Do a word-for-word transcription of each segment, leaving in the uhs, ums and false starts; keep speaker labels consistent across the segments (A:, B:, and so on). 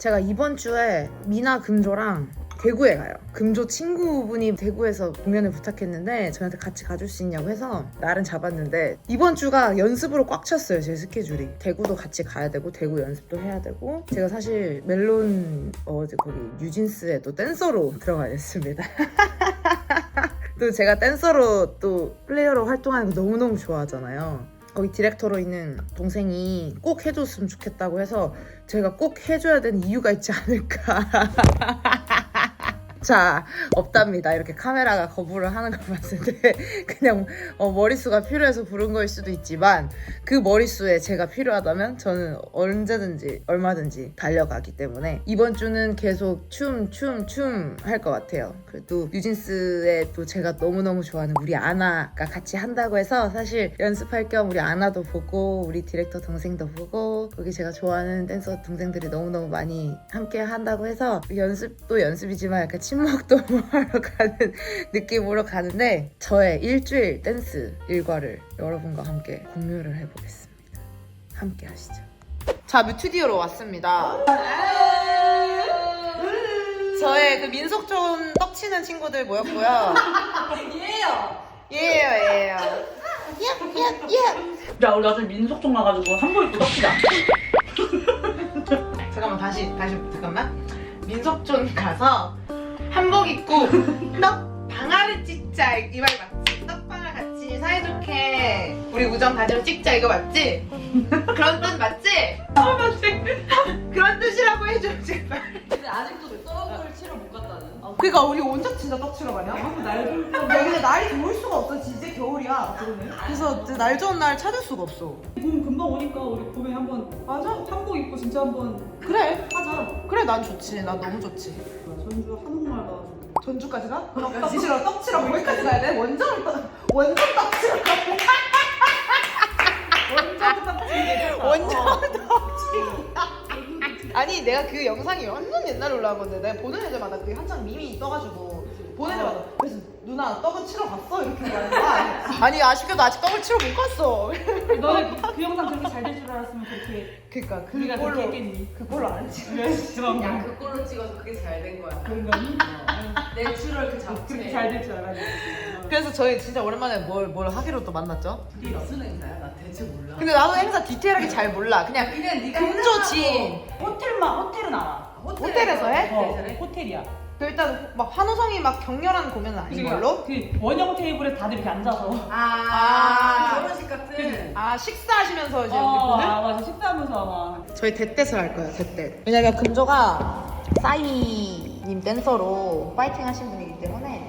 A: 제가 이번 주에 미나 금조랑 대구에 가요. 금조 친구분이 대구에서 공연을 부탁했는데 저한테 같이 가줄 수 있냐고 해서 날은 잡았는데 이번 주가 연습으로 꽉 찼어요. 제 스케줄이. 대구도 같이 가야 되고 대구 연습도 해야 되고 제가 사실 멜론 어 거기 뉴진스에도 댄서로 들어가 있습니다. 또 제가 댄서로 또 플레이어로 활동하는 거 너무너무 좋아하잖아요. 거기 디렉터로 있는 동생이 꼭 해줬으면 좋겠다고 해서 제가 꼭 해줘야 되는 이유가 있지 않을까. 자, 없답니다. 이렇게 카메라가 거부를 하는 걸 봤을 때 그냥 어, 머릿수가 필요해서 부른 거일 수도 있지만 그 머릿수에 제가 필요하다면 저는 언제든지 얼마든지 달려가기 때문에 이번 주는 계속 춤, 춤, 춤 할 것 같아요. 그래도 뉴진스에 또 제가 너무너무 좋아하는 우리 아나가 같이 한다고 해서 사실 연습할 겸 우리 아나도 보고 우리 디렉터 동생도 보고 거기 제가 좋아하는 댄서 동생들이 너무너무 많이 함께 한다고 해서 연습도 연습이지만 약간 친목도 하러 가는 느낌으로 가는데 저의 일주일 댄스 일과를 여러분과 함께 공유를 해보겠습니다. 함께 하시죠. 자, 뮤튜디오로 왔습니다. 저의 그 민속촌 떡치는 친구들 모였고요.
B: 예요.
A: 예요, 예요. 예, 예, 예.
B: 야, 우리 나중에 민속촌 가가지고 한복 입고 떡치자.
A: 잠깐만, 다시, 다시, 잠깐만. 민속촌 가서 한복 입고 떡 방아를 찍자 이 말 맞지? 떡방아 같이 사이좋게 우리 우정 다짐 찍자 이거 맞지? 그런 뜻 맞지?
B: 아, 맞지?
A: 그런 뜻이라고 해줘 제발.
C: 근데 아직도 떡을 치러 못 갔다는.
A: 그니까 그러니까 우리 언제 진짜 떡 치러 가냐?
B: 날 좀.
A: 야 근데 날이 좋을 수가 없어. 진짜 겨울이야. 그래서 날 좋은 날 찾을 수가 없어.
B: 봄 금방 오니까 우리 봄에 한번
A: 맞아?
B: 한복 입고 진짜 한번
A: 그래.
B: 하자.
A: 그래 난 좋지. 난 너무 좋지.
B: 전주 한옥마을 가가지고.
A: 전주까지 가? 떡 치러 떡 치러 거기까지 가야 돼? 원정 떡 원정 떡 치러 가.
B: 원정 떡치.
A: 원정 떡치기야. 아니 내가 그 영상이 완전 옛날에 올라온 건데 내가 보는 애들마다 그게 한창 밈이 떠가지고 보는 애들마다 그래서 누나 떡은 치러 갔어? 이렇게 말하는 거야. 아니 아쉽게도 아직 떡을 치러 못 갔어.
B: 너는 그, 그 영상 그렇게 잘 될 줄 알았으면 그렇게
A: 그니까
B: 우리가 그렇게
A: 그걸로
B: 했겠니?
A: 그걸로 안 했지.
C: 야, 그걸로 찍어서 그게 잘 된 거야.
B: 그런 거니?
C: 내추럴 그
B: 그렇게
C: 자체.
B: 잘 될 줄 알았는데.
A: 그래서 저희 진짜 오랜만에 뭘, 뭘 하기로 또 만났죠?
C: 네 무슨 행사야? 나 대체 몰라.
A: 근데 나도 행사 디테일하게 잘 몰라. 그냥
C: 그냥 네가
A: 금조지.
B: 호텔만 호텔은 알아.
A: 호텔에서 해?
B: 어, 호텔이야.
A: 그 일단 막 환호성이 막 격렬한 공연은 아닌 걸로?
B: 그 원형 테이블에 다들 이렇게 앉아서.
C: 아,
A: 아.
C: 결혼식 같은.
A: 아 식사하시면서 이제
B: 어,
A: 우리 보는?
B: 아, 맞아. 식사하면서 아마.
A: 저희 대댓을 할 거예요, 대댓. 왜냐면 금조가 싸이님 댄서로 파이팅 하신 분이기 때문에.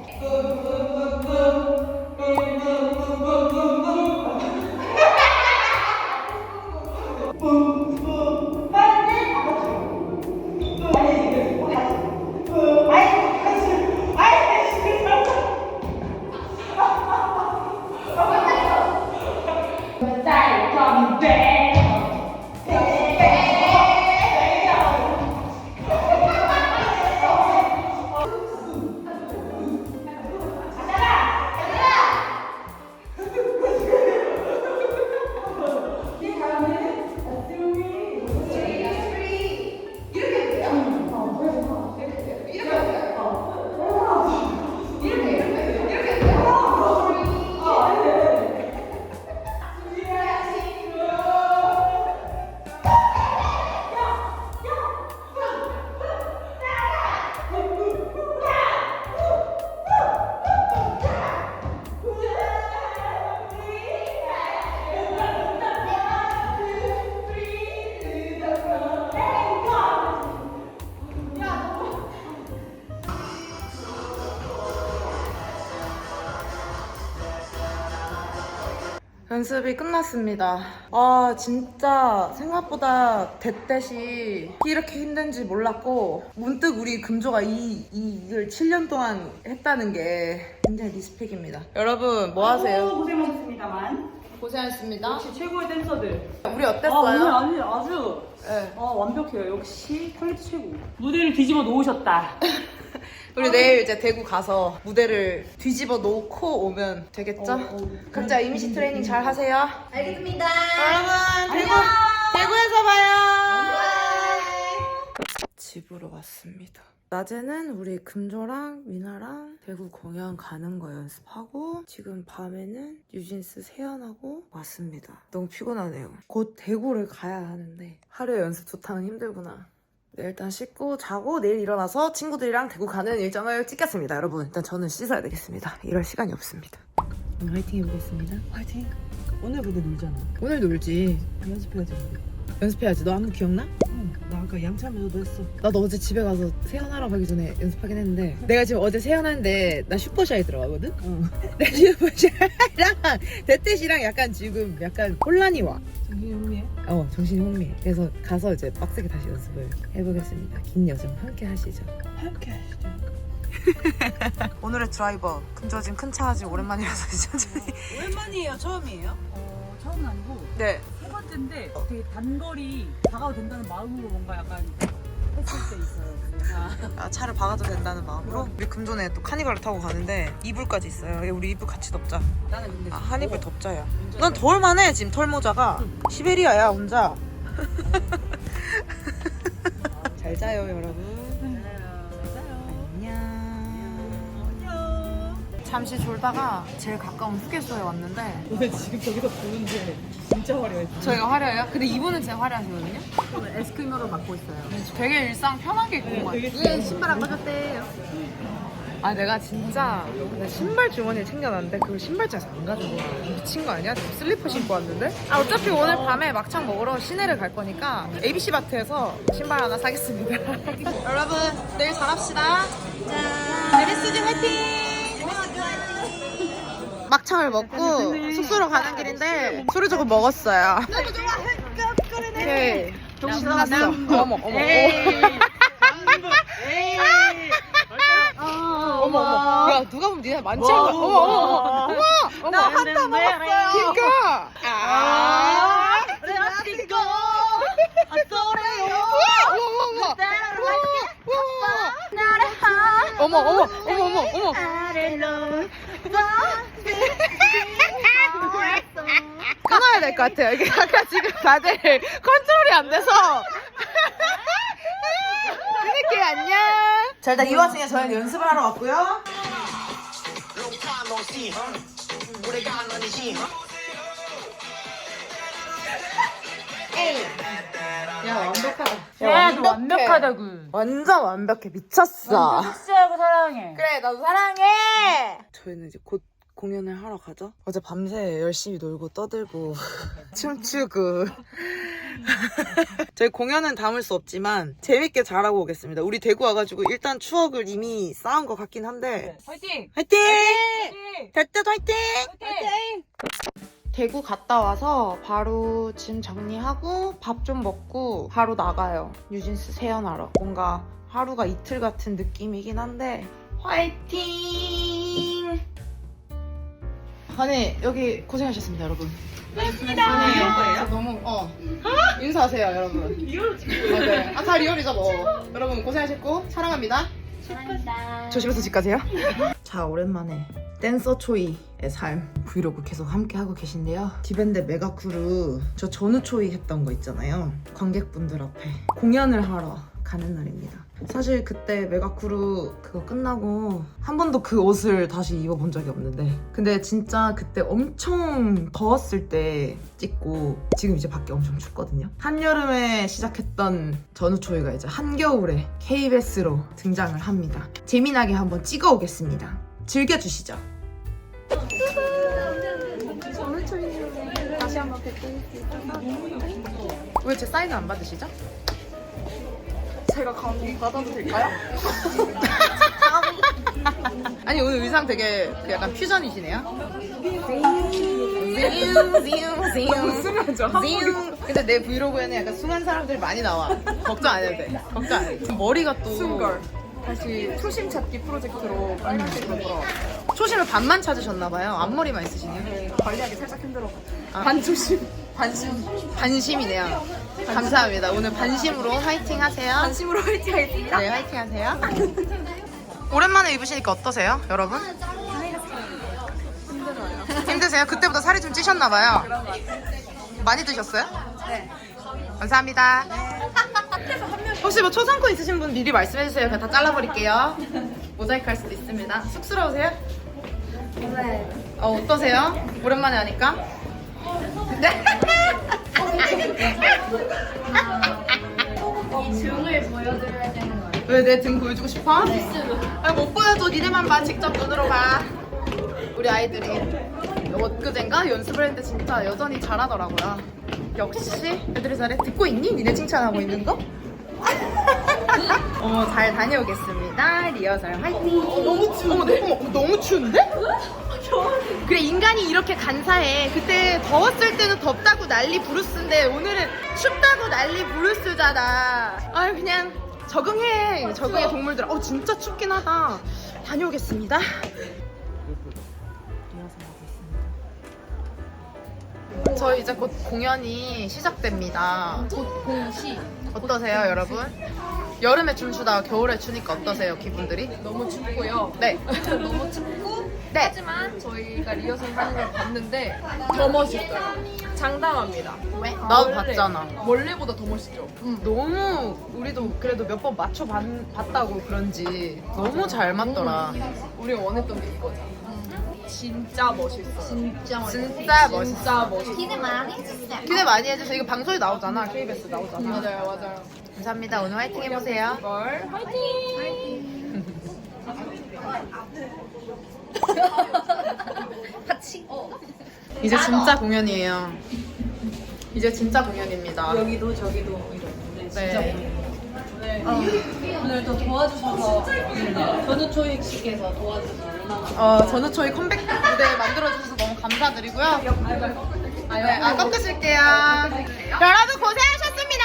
A: 연습이 끝났습니다. 아 진짜 생각보다 대댓이 이렇게 힘든지 몰랐고 문득 우리 금조가 이, 이, 이걸 칠 년 동안 했다는 게 굉장히 리스펙입니다. 여러분 뭐 하세요?
B: 아이고, 고생하셨습니다만.
A: 고생하셨습니다.
B: 역시 최고의 댄서들.
A: 우리
B: 아,
A: 어땠어요?
B: 오늘 아니, 아주
A: 네.
B: 아, 완벽해요. 역시 퀄리티 최고. 무대를 뒤집어 놓으셨다.
A: 우리 내일 이제 대구 가서 무대를 뒤집어 놓고 오면 되겠죠?
B: 어, 어.
A: 각자 이미지 트레이닝 잘 하세요.
C: 알겠습니다.
A: 여러분 대구, 대구에서 봐요. 집으로 왔습니다. 낮에는 우리 금조랑 미나랑 대구 공연 가는 거 연습하고 지금 밤에는 뉴진스 세연하고 왔습니다. 너무 피곤하네요. 곧 대구를 가야 하는데 하루에 연습 두 탕은 힘들구나. 네, 일단 씻고 자고 내일 일어나서 친구들이랑 대구 가는 일정을 찍겠습니다. 여러분 일단 저는 씻어야 되겠습니다. 이럴 시간이 없습니다. 오늘 화이팅 해보겠습니다.
B: 화이팅. 오늘 근데 놀잖아.
A: 오늘 놀지.
B: 연습해야지.
A: 연습해야지. 너 안무 기억나?
B: 응. 나 아까 양치하면서도 했어.
A: 나도 어제 집에 가서 세연하러 가기 전에 연습하긴 했는데 내가 지금 어제 세연하는데 나 슈퍼샤이 들어가거든?
B: 응.
A: 내 슈퍼샤이랑 대뜻이랑 약간 지금 약간 혼란이 와.
B: 정신이 혼미해?
A: 어 정신이 혼미해. 그래서 가서 이제 빡세게 다시 연습을 해보겠습니다. 긴 여정 함께 하시죠.
B: 함께 하시죠.
A: 오늘의 드라이버 금저진 큰 차 아직 오랜만이라서 천천히.
B: 오랜만이에요? 처음이에요? 어, 처음은 아니고
A: 네.
B: 세 번째인데 되게 단거리 다가도 된다는 마음으로 뭔가 약간 했을 때 있어요. 아.
A: 아, 차를 박아도 된다는 마음으로 우리 금존에 또 카니발을 타고 가는데 이불까지 있어요. 우리 이불 같이 덮자.
B: 나는 근데
A: 아, 한 이불 덮자야. 넌 더울만해 지금 털모자가. 시베리아야 혼자. 잘 자요 여러분. 잠시 졸다가 제일 가까운 휴게소에 왔는데
B: 왜 지금 저기서 보는데 진짜 화려해.
A: 저희가 화려해요? 근데 이분은 진짜 화려하시거든요?
B: 저는 에스크림으로 받고 있어요.
A: 되게 일상 편하게 입고 온
B: 되게
A: 것 같아요. 신발 안 가졌대요. 아 내가 진짜 내 신발 주머니를 챙겨놨는데 그걸 신발장에서 안 가지고 와. 미친 거 아니야? 슬리퍼 신고 왔는데? 아 어차피 오늘 밤에 막창 먹으러 시내를 갈 거니까 에이비씨 마트에서 신발 하나 사겠습니다. 여러분 내일 잘합시다. 짠. 메리스지 화이팅! 막창을 먹고 숙소로 가는 길인데 술을 조금 먹었어요. 너무 좋아. 오케이. 정신 사났어. 어머 어머. 어머 어머. 야 누가 보면 니네 많지 않아? 어머 어머 어머. 어머 어머. 나 한타 먹었어요. 그니까. 아.
B: 레아티고.
A: 어머 어머 어머 어머 어머. 끊어야 될 것 같아요. 이게 약간 지금 다들 컨트롤이 안 돼서. 끊을게요. 안녕. 자 일단 이 와중에 저희는 연습을 하러 왔고요. 야 완벽하다.
B: 야, 너 완벽하다고.
A: 완전 완벽해. 미쳤어.
B: 섹시하고 사랑해.
A: 그래 나도 사랑해. 저희는 이제 곧 공연을 하러 가죠. 어제 밤새 열심히 놀고 떠들고 춤추고 저희 공연은 담을 수 없지만 재밌게 잘하고 오겠습니다. 우리 대구 와가지고 일단 추억을 이미 쌓은 것 같긴 한데
B: 화이팅!
A: 화이팅!
B: 화이팅!
A: 될 때도 화이팅!
B: 화이팅!
A: 대구 갔다 와서 바로 짐 정리하고 밥 좀 먹고 바로 나가요. 뉴진스 세연하러. 뭔가 하루가 이틀 같은 느낌이긴 한데 화이팅! 아니 여기 고생하셨습니다 여러분. 고맙습니다. 너무 어 인사하세요 여러분.
B: 리얼 지금.
A: 맞아요. 아다 리얼이죠 뭐. 여러분 고생하셨고 사랑합니다.
B: 사랑합니다.
A: 조심해서 집 가세요. 자 오랜만에 댄서 초이의 삶 브이로그 계속 함께 하고 계신데요. 디밴드 메가크루 저 전우 초이 했던 거 있잖아요. 관객분들 앞에 공연을 하러 가는 날입니다. 사실 그때 메가크루 그거 끝나고 한 번도 그 옷을 다시 입어본 적이 없는데 근데 진짜 그때 엄청 더웠을 때 찍고 지금 이제 밖에 엄청 춥거든요. 한여름에 시작했던 전우초이가 이제 한겨울에 케이비에스로 등장을 합니다. 재미나게 한번 찍어 오겠습니다. 즐겨주시죠. 전우초이님 다시 한번 뵙고 왜 제 사인을 안 받으시죠? 제가 감히 받아도 될까요? 아니 오늘 의상 되게 약간 퓨전이시네요. 너무 순하죠? 근데 내 브이로그에는 약간 순한 사람들이 많이 나와. 걱정 안 해도 돼. 걱정 안 해도 돼. 머리가 또
D: 순걸 다시 초심 찾기 프로젝트로 빨간색으로 돌아왔어요.
A: 초심을 반만 찾으셨나봐요. 앞머리만 있으시네요.
D: 네, 관리하기 살짝 힘들어가지고
A: 아.
D: 반초심
A: 반심 반심이네요. 감사합니다. 오늘 반심으로 화이팅 하세요.
D: 반심으로 화이팅 하겠습니다.
A: 네, 화이팅 하세요. 오랜만에 입으시니까 어떠세요, 여러분?
D: 힘들어요.
A: 힘드세요? 그때보다 살이 좀 찌셨나봐요.
D: 그런 것 같아요.
A: 많이 드셨어요?
D: 네.
A: 감사합니다.
D: 앞에서 한 명이
A: 혹시 뭐 초상권 있으신 분 미리 말씀해주세요. 그냥 다 잘라버릴게요. 모자이크 할 수도 있습니다. 쑥스러우세요?
E: 네.
A: 어, 어떠세요? 오랜만에 하니까? 네?
E: 이 등을 보여드려야 되는 거예요.
A: 왜 내 등 보여주고 싶어? 아니 못 보여줘. 니네만 봐. 직접 눈으로 봐. 우리 아이들이 엊그젠가 연습을 했는데 진짜 여전히 잘하더라고요. 역시 애들이 잘해. 듣고 있니? 니네 칭찬하고 있는 거? 어머 잘 다녀오겠습니다. 리허설 화이팅. 어, 너무 추워. 어머, 어머 너무 추운데? 그래 인간이 이렇게 간사해. 그때 더웠을 때는 덥다고 난리 부르스인데 오늘은 춥다고 난리 부르스잖아. 아유 그냥 적응해. 적응해 동물들아. 어 진짜 춥긴 하다. 다녀오겠습니다. 저희 이제 곧 공연이 시작됩니다.
E: 곧 공시.
A: 어떠세요 여러분? 여름에 춤추다가 겨울에 추니까 어떠세요 기분들이?
D: 너무 춥고요.
A: 네.
D: 너무 춥고
A: 네.
D: 하지만 저희가 리허설 하는 걸 봤는데 더 멋있어요. 장담합니다.
A: 왜? 나도
D: 원래-
A: 봤잖아.
D: 원래보다 더 멋있죠.
A: 음, 너무 우리도 그래도 몇 번 맞춰 봤, 봤다고 그런지 너무 잘 맞더라.
D: 우리가 원했던 게 이거죠. 진짜 멋있어요.
E: 진짜 멋있어.
A: 진짜 멋있어.
D: 진짜 멋있어.
E: 기대 많이 해주세요.
A: 기대 많이 해주세요. 이거 방송에 나오잖아. 케이비에스 나오잖아.
D: 맞아요, 맞아요.
A: 감사합니다. 오늘 화이팅 해보세요.
D: 걸
E: 같이.
A: 이제 진짜 공연이에요. 이제 진짜 공연입니다.
B: 여기도 저기도 이런.
A: 네.
B: 오늘 또 도와주셔서 전우초익 씨께서 도와주셔서 얼마나
A: 어, 전우초이 컴백 무대 만들어주셔서 너무 감사드리고요. 아, 네, 아, 꺾으실게요. 여러분 고생하셨습니다.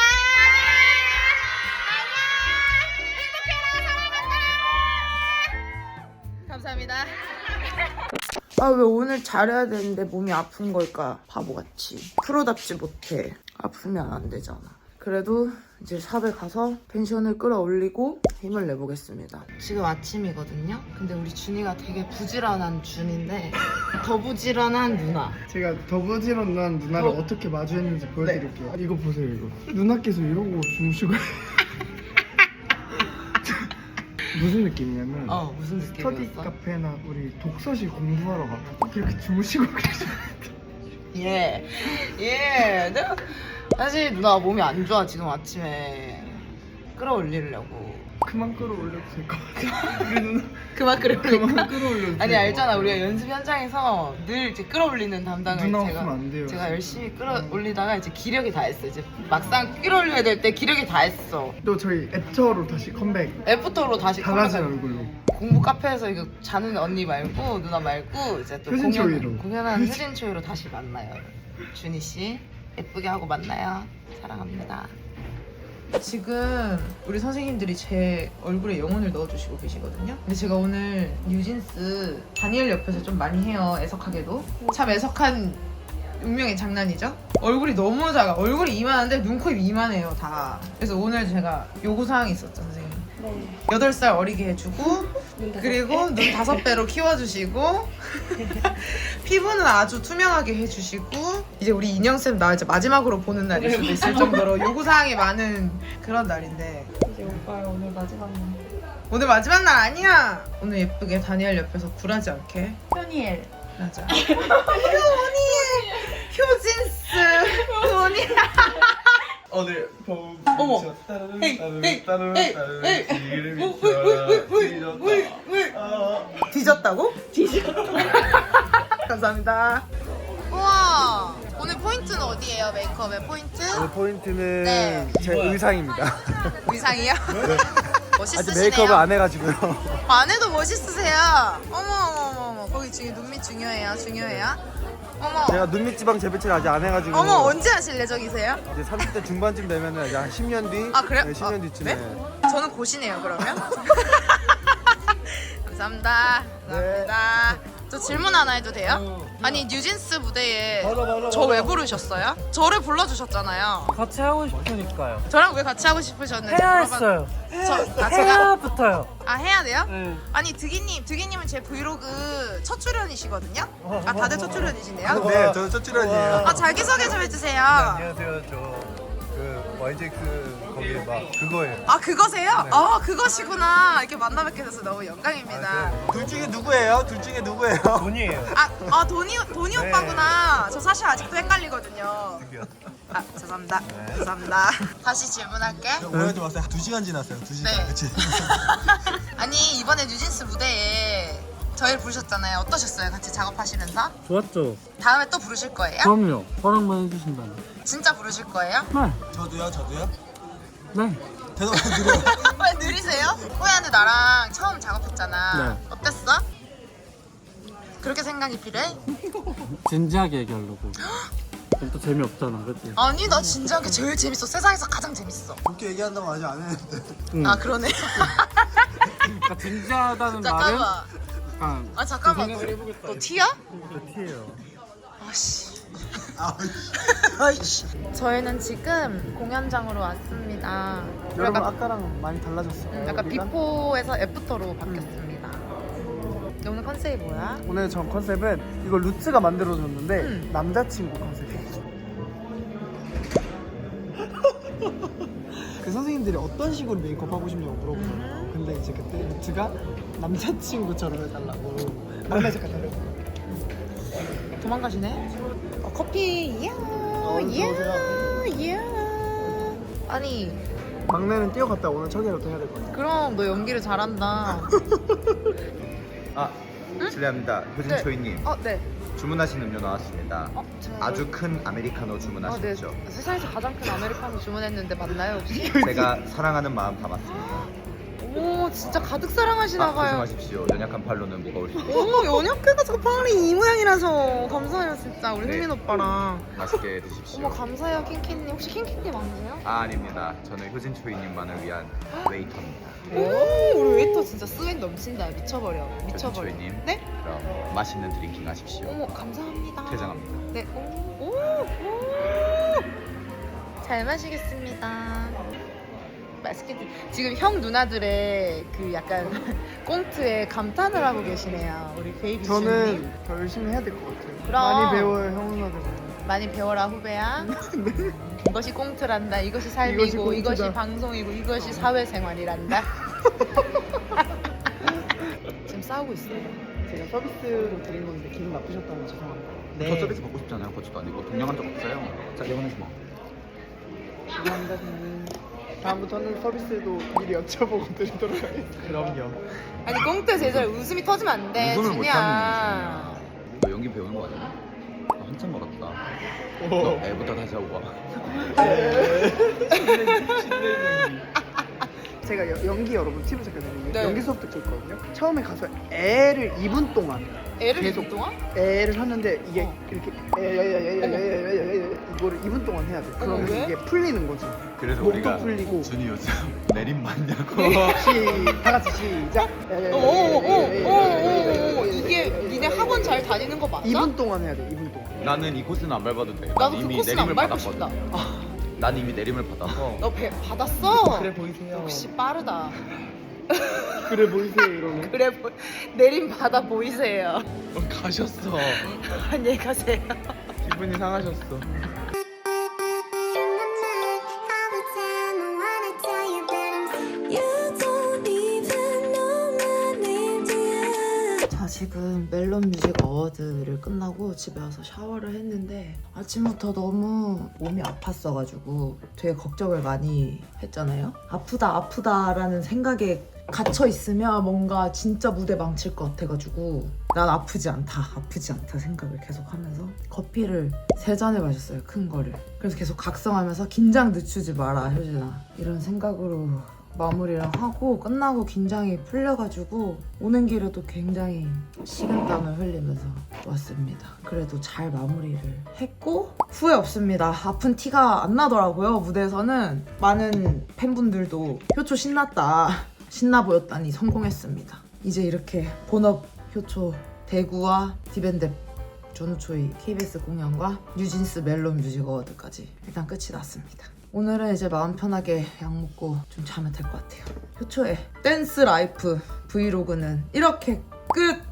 A: 안녕. 감사합니다. 아, 왜 오늘 잘해야 되는데 몸이 아픈 걸까? 바보같이. 프로답지 못해. 아프면 안 되잖아. 그래도 이제 샵에 가서 펜션을 끌어올리고 힘을 내보겠습니다. 지금 아침이거든요. 근데 우리 준이가 되게 부지런한 준인데 더 부지런한 누나.
F: 제가 더부지런한 누나를
A: 어.
F: 어. 떻게 마주했는지 보여드릴게요. 이거 보세요, 이거. 누나께서 이러고 주무시고. 무슨 느낌이냐면
A: 어 무슨
F: 스터디
A: 느낌이었어?
F: 카페나 우리 독서실 공부하러 가고 이렇게 주무시고 계셔.
A: 예. 예. 내가 사실 누나 몸이 안 좋아 지금 아침에 끌어올리려고.
F: 그만 끌어올려도 될 것 같아. 우리 누나
A: 그만 끌어올릴까?
F: 그만 끌어올려도
A: 아니
F: 돼요.
A: 알잖아 우리가 연습 현장에서 늘 이제 끌어올리는 담당을
F: 누나
A: 제가
F: 없으면 안 돼요.
A: 제가 열심히 끌어올리다가 이제 기력이 다 했어. 이제 막상 끌어올려야 될 때 기력이 다 했어.
F: 또 저희 애터로 다시 컴백.
A: 애프터로 다시
F: 달라진
A: 컴백할-
F: 얼굴로.
A: 공부 카페에서 이거 자는 언니 말고 누나 말고 이제 또
F: 효진
A: 공연
F: 초이로.
A: 공연하는 효진 초이로 다시 만나요. 준희 씨 예쁘게 하고 만나요. 사랑합니다. 지금 우리 선생님들이 제 얼굴에 영혼을 넣어주시고 계시거든요. 근데 제가 오늘 뉴진스 다니엘 옆에서 좀 많이 해요. 애석하게도 참 애석한 운명의 장난이죠. 얼굴이 너무 작아. 얼굴이 이만한데 눈, 코, 입 이만해요 다. 그래서 오늘 제가 요구사항이 있었죠 선생님. 여덟 살 어리게 해주고 그리고 눈 다섯 배로 키워주시고 피부는 아주 투명하게 해주시고 이제 우리 인형쌤 나 이제 마지막으로 보는 날일 수도 있을 정도로 요구사항이 많은 그런 날인데
B: 이제 오빠야 오늘 마지막 날.
A: 오늘 마지막 날 아니야. 오늘 예쁘게 다니엘 옆에서 굴하지 않게
B: 현이엘.
A: 맞아. 효니 효진스 효니
G: 오늘 봄
A: 어머.
G: 따르르
A: 에이,
G: 따르르
A: 에이,
G: 따르르
A: 에이,
G: 따르르
A: 에이.
G: 기름이
A: 우, 우, 우, 우, 우,
G: 튀었다.
A: 우, 우.
G: 아.
A: 뒤졌다고? 뒤졌다. 감사합니다. 우와 오늘 포인트는 어디예요? 메이크업의 포인트?
H: 포인트는
A: 네.
H: 제 의상입니다.
A: 의상이요?
H: 아직
A: 멋있으시네요.
H: 메이크업을 안 해가지고요.
A: 안 해도 멋있으세요. 어머 어머 어머 어머 거기 중에 눈밑 중요해요. 중요해요. 어머
H: 제가 눈밑 지방 재배치를 아직 안 해가지고.
A: 어머 언제 하실 예정이세요?
H: 이제 삼십 대 중반쯤 되면은 이제 한 십 년 뒤.
A: 아 그래요?
H: 네, 십 년
A: 아,
H: 뒤쯤에.
A: 네? 저는 곧이네요 그러면. 감사합니다. 감사합니다. 저 질문 하나 해도 돼요? 아니 뉴진스 무대에 저 왜 부르셨어요? 저를 불러주셨잖아요.
I: 같이 하고 싶으니까요.
A: 저랑 왜 같이 하고 싶으셨는지
I: 해야
A: 물어봐-
I: 했어요.
A: 저, 아, 제가
I: 해야부터요.
A: 아 해야 돼요?
I: 네.
A: 아니 드기님, 드기님은 제 브이로그 첫 출연이시거든요. 아 다들 첫 출연이시네요.
H: 네, 저는 첫 출연이에요.
A: 아 자기 소개 좀 해주세요.
I: 안녕하세요. 저 그
H: 와이제이 그 거기 막 그거예요.
A: 아 그거세요? 아 그것이구나. 이렇게 만나 뵙게 돼서 너무 영광입니다.
H: 둘 중에 누구예요? 둘 중에 누구예요?
I: 돈이에요.
A: 아, 아 돈이 돈이
H: 네.
A: 오빠구나. 저 사실 아직도 헷갈리거든요. 아 죄송합니다.
H: 네.
A: 죄송합니다. 다시 질문할게.
H: 오해하지 마세요. 두 시간 지났어요. 두 시간.
A: 네.
H: 그치?
A: 아니 이번에 뉴진스 무대에 저희를 부르셨잖아요. 어떠셨어요? 같이 작업하시면서?
I: 좋았죠?
A: 다음에 또 부르실 거예요?
I: 그럼요. 허락만 해주신다면.
A: 진짜 부르실 거예요?
I: 네.
H: 저도요, 저도요.
I: 네.
H: 대답 안 드려요.
A: 왜 느리세요? 호야는 나랑 처음 작업했잖아.
I: 네.
A: 어땠어? 그렇게 생각이 필요해?
I: 진지하게 얘기하려고. 그럼 또 재미없잖아, 그치?
A: 아니 나 진지하게 제일 재밌어. 세상에서 가장 재밌어.
H: 그렇게 얘기한다고 아직 안 했는데.
I: 응.
A: 아 그러네.
I: 그러니까 진지하다는 말은
A: 잠깐만.
I: 약간
A: 아 잠깐만. 너,
I: 생각을 해보겠다.
A: 너 티야?
I: 그 티예요.
A: 아씨.
H: 아이씨.
A: 아이씨. 저희는 지금 공연장으로 왔습니다.
F: 여러분
A: 약간,
F: 아까랑 많이 달라졌어요.
A: 음, 약간
F: 여기가?
A: 비포에서 애프터로 바뀌었습니다. 오늘 컨셉이 뭐야?
F: 오늘 전 컨셉은 이거 루츠가 만들어줬는데
A: 음.
F: 남자친구 컨셉이에요. 그 선생님들이 어떤 식으로 메이크업 하고 싶냐고 물어보잖아요. 근데 이제 그때 루츠가 남자친구처럼 해달라고 막내 색깔 달라고.
A: 도망가시네. 어, 커피. 이야. 이야.
F: 들어오세요.
A: 이야. 아니
F: 막내는 뛰어갔다 오늘 청이라도 해야 될 것 같아요.
A: 그럼 너 연기를 잘한다.
J: 아, 실례합니다. 효진
A: 네.
J: 초이님.
A: 어 네.
J: 주문하신 음료 나왔습니다.
A: 어, 제가
J: 아주 큰 아메리카노
A: 어, 네.
J: 주문하셨죠?
A: 세상에서 가장 큰 아메리카노 주문했는데 맞나요 혹시?
J: 제가 사랑하는 마음 담았습니다.
A: 오 진짜 가득 사랑하시나
J: 아,
A: 봐요.
J: 조심하십시오. 연약한 팔로는 무거울 수 있습니다.
A: 오 연약해가 저 팔이 이 모양이라서 감사해요 진짜 우리
J: 네.
A: 흥민 오빠랑.
J: 맛있게 드십시오.
A: 어머 감사해요 킹키님. 혹시 킹키님 아니세요?
J: 아, 아닙니다. 저는 효진 초이님만을 위한 웨이터입니다.
A: 오 우리 웨이터 진짜 스웩 넘친다. 미쳐버려
J: 효진
A: 미쳐버려.
J: 초이님.
A: 네?
J: 그럼 맛있는 드링킹 하십시오.
A: 어머 감사합니다.
J: 퇴장합니다.
A: 네. 오, 오, 오. 잘 마시겠습니다. 맛있게 드... 지금 형 누나들의 그 약간 꽁트에 감탄을 하고 계시네요. 우리 베이비 주님.
F: 저는 더 열심히 해야 될 것 같아요.
A: 그럼.
F: 많이 배워요 형 누나들.
A: 많이 배워라 후배야. 이것이 꽁트란다. 이것이 삶이고
F: 이것이 꽁트다.
A: 이것이 방송이고 이것이 사회생활이란다. 지금 싸우고 있어요.
F: 제가 서비스로 드린 건데 기분 나쁘셨다면 죄송합니다.
J: 저 서비스 받고 싶잖아요. 그것도 아니고 동냥한 적 없어요. 자, 영원해서 뭐.
F: 죄송합니다 저는. 다음부터는 서비스도 미리 여쭤보고 드리도록 하겠습니다.
H: 그럼요.
A: 아니 꽁트 제절 웃음이 터지면 안 돼.
J: 웃음을 못
A: 준이야.
J: 너 연기 배우는 거 아니야? 아, 한참 멀었다. 너 애부터 다시 하고 와.
F: 제가 여- 연기 여러분 팁을 잠깐
A: 네.
F: 연기 수업 듣고 있거든요. 처음에 가서 애를 이 분 동안
A: 애를
F: 계속
A: 몇 동안?
F: 애를 하는데 이게
A: 어.
F: 이렇게 에에에에에에에 이거를 이 분 동안 해야 돼. 그러면
A: 왜?
F: 이게 풀리는 거지.
J: 그래서
F: 목도
J: 우리가
F: 풀리고.
J: 준이 요즘 내림 맞냐고.
F: 시, 다 같이 시작.
A: 오오오오오 이게 니네 학원 잘 다니는 거 맞아?
F: 이 분 동안 해야 돼. 이 분 동안.
J: 나는 이 코스는 안 밟아도 돼.
A: 나도
J: 난
A: 그
J: 이미
A: 코스는
J: 내림을
A: 안 밟고
J: 받았거든.
A: 싶다.
J: 난 이미 내림을 받아서.
A: 너 배, 받았어?
F: 그래 보이세요.
A: 역시 빠르다.
F: 그래 보이세요 이러면.
A: 그래 보, 내림 받아 보이세요.
J: 가셨어.
A: 안녕히 가세요.
F: 기분이 상하셨어.
A: 자 지금 멜론 뮤직 어워드를 끝나고 집에 와서 샤워를 했는데 아침부터 너무 몸이 아팠어가지고 되게 걱정을 많이 했잖아요. 아프다 아프다라는 생각에 갇혀 있으면 뭔가 진짜 무대 망칠 것 같아가지고 난 아프지 않다 아프지 않다 생각을 계속 하면서 커피를 세 잔을 마셨어요. 큰 거를. 그래서 계속 각성하면서 긴장 늦추지 마라 효진아 이런 생각으로 마무리를 하고 끝나고 긴장이 풀려가지고 오는 길에도 굉장히 식은땀을 흘리면서 왔습니다. 그래도 잘 마무리를 했고 후회 없습니다. 아픈 티가 안 나더라고요. 무대에서는 많은 팬분들도 효초 신났다 신나 보였다니 성공했습니다. 이제 이렇게 본업 효초 대구와 디밴드 전우초이 케이비에스 공연과 뉴진스 멜론 뮤직 어워드까지 일단 끝이 났습니다. 오늘은 이제 마음 편하게 약 먹고 좀 자면 될 것 같아요. 효초의 댄스 라이프 브이로그는 이렇게 끝!